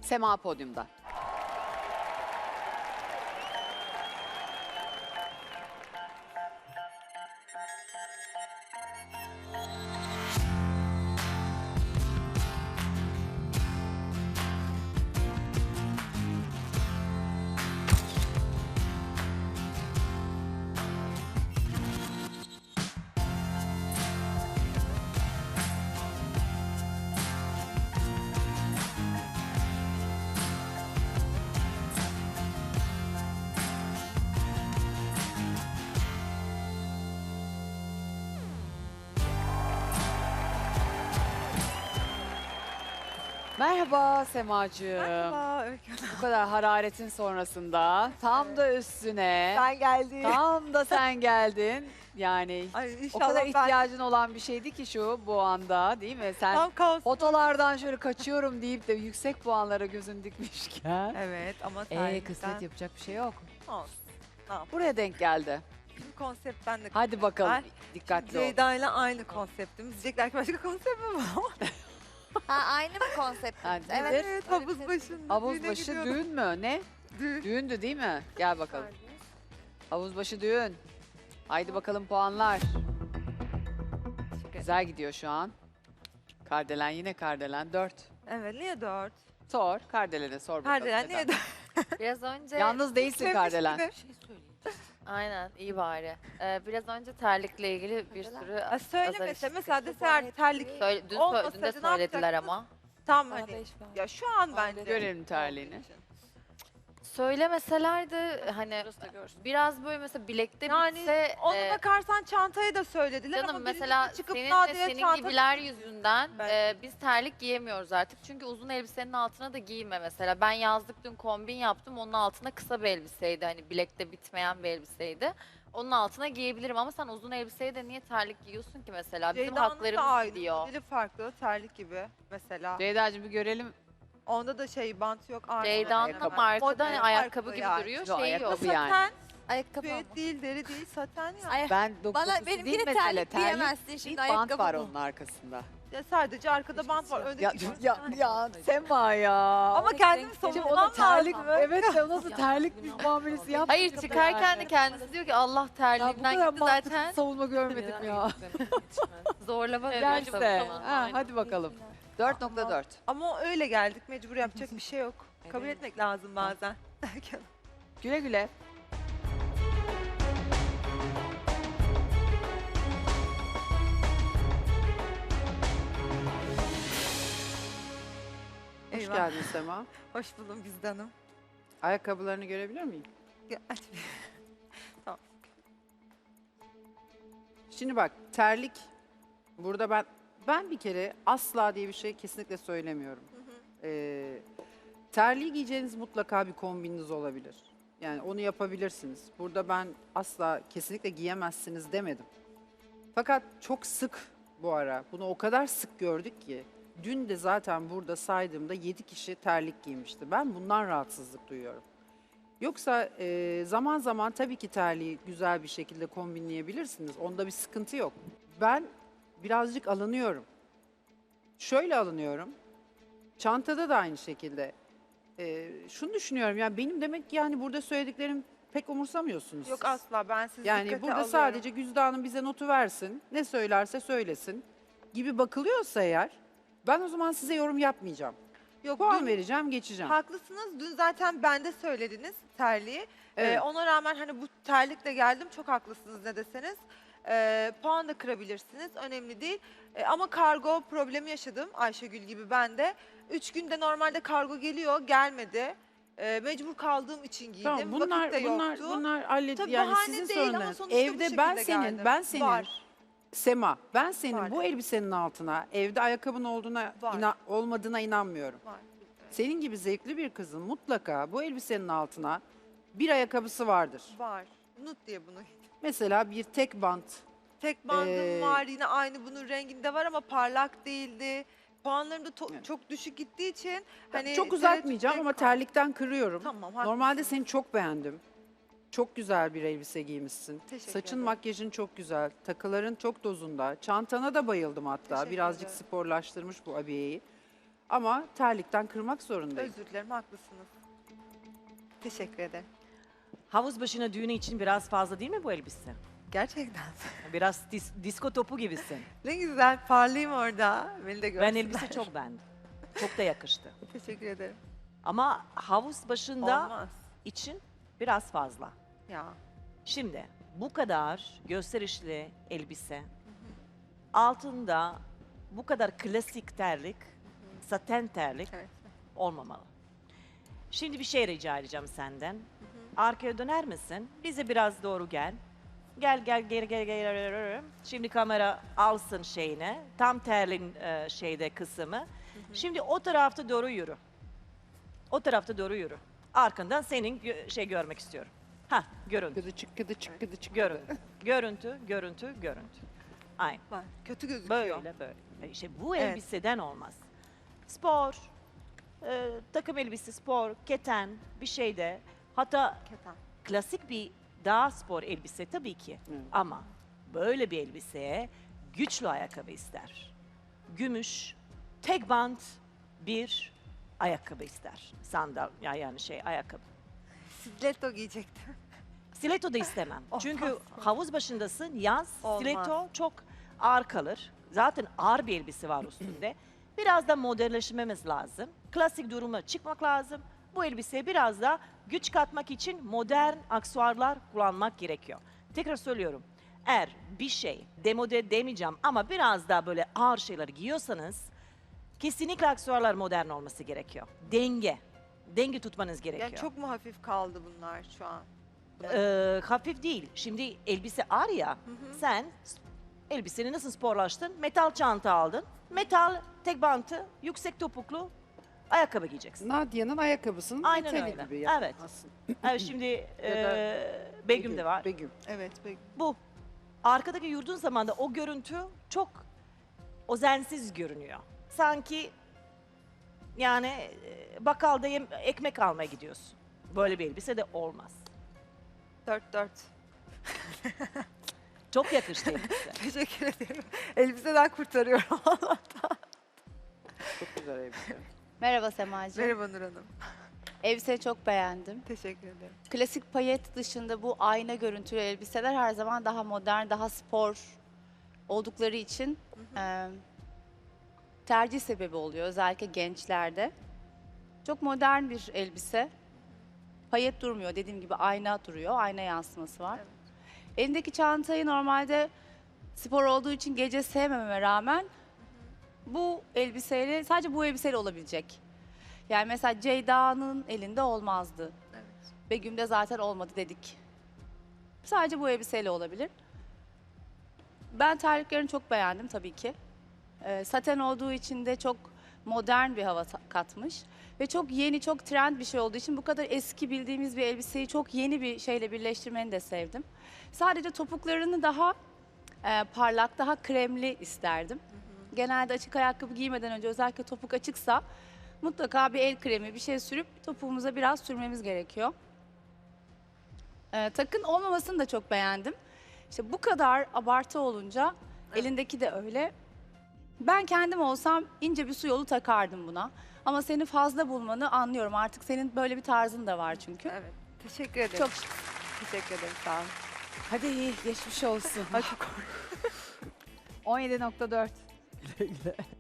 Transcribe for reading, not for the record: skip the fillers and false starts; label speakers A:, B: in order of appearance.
A: Sema podyumda. Merhaba Semacığım.
B: Merhaba Öykü Hanım.
A: Bu kadar hararetin sonrasında tam da üstüne,
B: Sen geldin.
A: tam da sen geldin. Yani
B: Ay
A: o
B: inşallah
A: kadar
B: ben
A: ihtiyacın olan bir şeydi ki şu bu anda, değil mi? Sen
B: tam kaos.
A: fotolardan şöyle kaçıyorum deyip de yüksek puanlara gözün dikmişken.
B: Evet ama
A: Kısmet yapacak bir şey yok.
B: olsun.
A: Buraya denk geldi.
B: Bizim konsept ben de.
A: Hadi bakalım,
B: Ben-
A: dikkatli ol.
B: Ceyda ile aynı konseptimiz. Diyecekler ki başka konsept mi var?
C: Ha, aynı mı konseptimiz?
A: Ha,
C: Evet.
A: nedir?
B: Evet
C: öyle bir
B: havuz
C: şey.
B: başında.
A: Havuz
B: düğüne
A: başı
B: gidiyordum.
A: düğün mü? Ne?
B: Düğün.
A: Düğündü değil mi? Gel bakalım. Havuz başı düğün. Haydi bakalım puanlar. Güzel gidiyor şu an. Kardelen yine Kardelen 4.
B: Evet niye 4?
A: Sor. Kardelen'e sor bakalım.
B: Kardelen
A: neden?
B: niye 4?
C: Biraz önce
A: Yalnız değilsin Kardelen.
C: aynen iyi bari. Biraz önce terlikle ilgili bir sürü
B: Söylemese
C: işittik.
B: mesela deseler terlik
C: Dün
B: olmasaydı
C: de
B: ne
C: söylediler
B: yapacaktın?
C: ama.
B: tam hani. Ya şu an bence.
A: Görelim terliğini.
C: Söylemeselerdi hani biraz böyle mesela bilekte
B: Yani
C: bitse
B: ona bakarsan çantayı da söylediler
C: canım
B: ama
C: mesela
B: birincisi çıkıp
C: senin ve
B: Nadia'ya
C: senin
B: çanta-
C: gibiler yüzünden
B: Ben-
C: biz terlik giyemiyoruz artık. Çünkü uzun elbisenin altına da giyme mesela. Ben yazlık dün kombin yaptım. Onun altına kısa bir elbiseydi. Hani bilekte bitmeyen bir elbiseydi. Onun altına giyebilirim ama sen uzun elbiseye de niye terlik giyiyorsun ki mesela? Bizim
B: Ceyda'nın da
C: haklarımız
B: aynı.
C: gidiyor.
B: Modeli farklı terlik gibi mesela.
A: Ceyda'cığım bir görelim.
B: Onda da şey bant yok. Arka
C: Ceyda'nın da
A: ayakkabı.
C: markada hani
B: Model
C: ayakkabı
B: farklı
C: gibi
B: yani.
C: duruyor.
A: Şu
C: Şey yok.
A: ayakkabı yani.
B: Saten,
D: Ayakkabı
B: düet değil, deri değil, saten ya.
D: Ay,
A: Ben
D: bana
A: dokusu
D: benimki
A: değil
D: de
A: mesele.
D: terlik diyemezsin
A: Değil,
D: şimdi
A: bant
D: ayakkabı
A: var
D: bu.
A: onun arkasında.
B: Ya sadece arkada bant var. Öndeki
A: Ya Sema ya.
B: Ama kendimi
A: Şimdi
B: savunmam
A: ona terlik,
B: lazım.
A: evet ya nasıl terlik muamelesi yaptı.
C: Hayır çıkarken de kendisi diyor ki Allah
A: Ya bu
C: terliğinden
A: kadar
C: gitti
A: mantıksız
C: zaten.
A: savunma görmedim ya.
C: Zorlama
A: Gel
C: diyor.
A: işte. Ha, hadi bakalım. 4.4.
B: Ama öyle geldik. Mecbur yapacak bir şey yok. Kabul etmek lazım bazen.
A: Güle güle.
E: Hoş
B: Eyvah.
E: geldin Sema.
B: Hoş buldum Güzde Hanım.
E: Ayakkabılarını görebilir miyim?
B: Aç.
E: Şimdi bak terlik burada ben bir kere asla diye bir şey kesinlikle söylemiyorum. Terliği giyeceğiniz mutlaka bir kombininiz olabilir. Yani onu yapabilirsiniz. Burada ben asla kesinlikle giyemezsiniz demedim. Fakat çok sık bu ara bunu o kadar sık gördük ki dün de zaten burada saydığımda 7 kişi terlik giymişti. Ben bundan rahatsızlık duyuyorum. Yoksa zaman zaman tabii ki terliği güzel bir şekilde kombinleyebilirsiniz. Onda bir sıkıntı yok. Ben birazcık alınıyorum. Şöyle alınıyorum. Çantada da aynı şekilde. Şunu düşünüyorum yani benim demek ki yani burada söylediklerim pek umursamıyorsunuz
B: Yok
E: siz.
B: asla ben sizi
E: Yani
B: dikkate
E: burada
B: alıyorum.
E: sadece Güzde Hanım bize notu versin. Ne söylerse söylesin gibi bakılıyorsa eğer ben o zaman size yorum yapmayacağım.
B: Yok,
E: Puan
B: dün
E: vereceğim, geçeceğim.
B: haklısınız. Dün zaten bende söylediniz terliği.
E: Evet.
B: Ona rağmen hani bu terlikle geldim. Çok haklısınız ne deseniz. Puan da kırabilirsiniz. Önemli değil. Ama kargo problemi yaşadım Ayşegül gibi ben de. 3 günde normalde kargo geliyor. Gelmedi. Mecbur kaldığım için giydim.
E: Tamam bunlar
B: Vakit de
E: bunlar
B: yoktu.
E: bunlar hallet
B: Tabii
E: yani
B: bahane
E: sizin
B: değil ama
E: sorunlarınız.
B: sonuçta bu
E: Evde
B: şekilde
E: ben
B: geldim.
E: senin
B: Var.
E: Sema ben senin
B: Var.
E: bu elbisenin altına evde ayakkabın olduğuna
B: Var.
E: olmadığına inanmıyorum.
B: Var.
E: Senin gibi zevkli bir kızın mutlaka bu elbisenin altına bir ayakkabısı vardır.
B: Var. Nut diye bunu.
E: Mesela bir tek bant.
B: Tek bandım
E: Ee,
B: var yine aynı bunun renginde var ama parlak değildi. Puanlarım da
E: Evet.
B: çok düşük gittiği için hani
E: Çok uzatmayacağım
B: tereddütte
E: ama
B: kaldım.
E: terlikten kırıyorum.
B: Tamam.
E: Normalde
B: haklısın.
E: seni çok beğendim. Çok güzel bir elbise giymişsin.
B: Teşekkür
E: Saçın,
B: ederim.
E: makyajın çok güzel. Takıların çok dozunda. Çantana da bayıldım hatta.
B: Teşekkür
E: Birazcık
B: ederim.
E: sporlaştırmış bu abiyeyi. Ama terlikten kırmak zorundayım.
B: Özür dilerim, haklısınız. Teşekkür ederim.
D: Havuz başına düğünü için biraz fazla değil mi bu elbise?
B: Gerçekten.
D: Biraz disko topu gibisin.
B: Ne güzel, parlayayım orada. Beni de
D: Ben
B: görsünler.
D: elbise çok beğendim. Çok da yakıştı.
B: Teşekkür ederim.
D: Ama havuz başında
B: Olmaz.
D: için biraz fazla.
B: Ya.
D: Şimdi bu kadar gösterişli elbise, altında bu kadar klasik terlik, saten terlik
B: Evet.
D: olmamalı. Şimdi bir şey rica edeceğim senden. Arkaya döner misin? Bize biraz doğru gel. Gel. Şimdi kamera alsın şeyini. Tam terlin şeyde kısmı. Şimdi o tarafta doğru yürü. O tarafta doğru yürü. Arkandan senin şey görmek istiyorum. Ha, görüntü.
E: Gıdıçık.
D: Görüntü. Aynen.
B: Var. Kötü gözüküyor.
D: Böyle. İşte bu
B: Evet.
D: elbiseden olmaz. Spor, takım elbise, spor, keten bir şeyde. Hatta
B: Keten.
D: klasik bir daha spor elbise tabii ki.
E: Evet.
D: Ama böyle bir elbiseye güçlü ayakkabı ister. Gümüş, tek bant bir ayakkabı ister. Sandal yani şey ayakkabı.
B: Stiletto giyecektim.
D: Stiletto da istemem.
B: Olmaz.
D: Çünkü havuz başındasın, yaz,
B: Olmaz.
D: stiletto çok ağır kalır. Zaten ağır bir elbise var üstünde. Biraz da modernleşmemiz lazım. Klasik duruma çıkmak lazım. Bu elbiseye biraz da güç katmak için modern aksesuarlar kullanmak gerekiyor. Tekrar söylüyorum. Eğer bir şey demode demeyeceğim ama biraz daha böyle ağır şeyler giyiyorsanız kesinlikle aksesuarlar modern olması gerekiyor. Denge tutmanız gerekiyor.
B: Yani çok mu hafif kaldı bunlar şu an?
D: Hafif değil. Şimdi elbise ağır ya. Sen elbiseni nasıl sporlaştın? Metal çanta aldın. Metal tek bantı, yüksek topuklu ayakkabı giyeceksin.
E: Nadia'nın ayakkabısının
D: Aynen
E: metali
D: öyle.
E: gibi yani
D: Evet.
E: aslında.
D: Evet, şimdi Begüm de var.
E: Begüm.
B: Evet. Peki.
D: Bu. Arkadaki yürüdüğün zaman da o görüntü çok özensiz görünüyor. Sanki yani bakkalda ekmek almaya gidiyorsun. Böyle bir elbise de olmaz.
B: 4-4.
D: Çok yakıştı elbise.
B: Teşekkür ederim. Elbiseden kurtarıyorum.
E: Çok güzel elbise.
F: Merhaba Semacığım.
B: Merhaba Nur Hanım.
F: Elbiseyi çok beğendim.
B: Teşekkür ederim.
F: Klasik payet dışında bu ayna görüntülü elbiseler her zaman daha modern, daha spor oldukları için tercih sebebi oluyor özellikle gençlerde. Çok modern bir elbise. Payet durmuyor. Dediğim gibi ayna duruyor. Ayna yansıması var.
B: Evet.
F: Elindeki çantayı normalde spor olduğu için gece sevmememe rağmen bu elbiseyle, sadece bu elbiseyle olabilecek. Yani mesela Ceyda'nın elinde olmazdı.
B: Evet.
F: Begüm'de zaten olmadı dedik. Sadece bu elbiseyle olabilir. Ben terliklerini çok beğendim tabii ki. Saten olduğu için de çok modern bir hava katmış. Ve çok yeni, çok trend bir şey olduğu için bu kadar eski bildiğimiz bir elbiseyi çok yeni bir şeyle birleştirmeni de sevdim. Sadece topuklarını daha parlak, daha kremli isterdim. Genelde açık ayakkabı giymeden önce özellikle topuk açıksa mutlaka bir el kremi, bir şey sürüp topuğumuza biraz sürmemiz gerekiyor. Takın olmamasını da çok beğendim. İşte bu kadar abartı olunca elindeki de öyle. Ben kendim olsam ince bir su yolu takardım buna. Ama seni fazla bulmanı anlıyorum. Artık senin böyle bir tarzın da var çünkü.
B: Evet. Teşekkür ederim.
F: Çok
B: teşekkür ederim. Sağ olun.
A: Hadi iyi geçmiş olsun.
B: Ay çok
A: 17.4.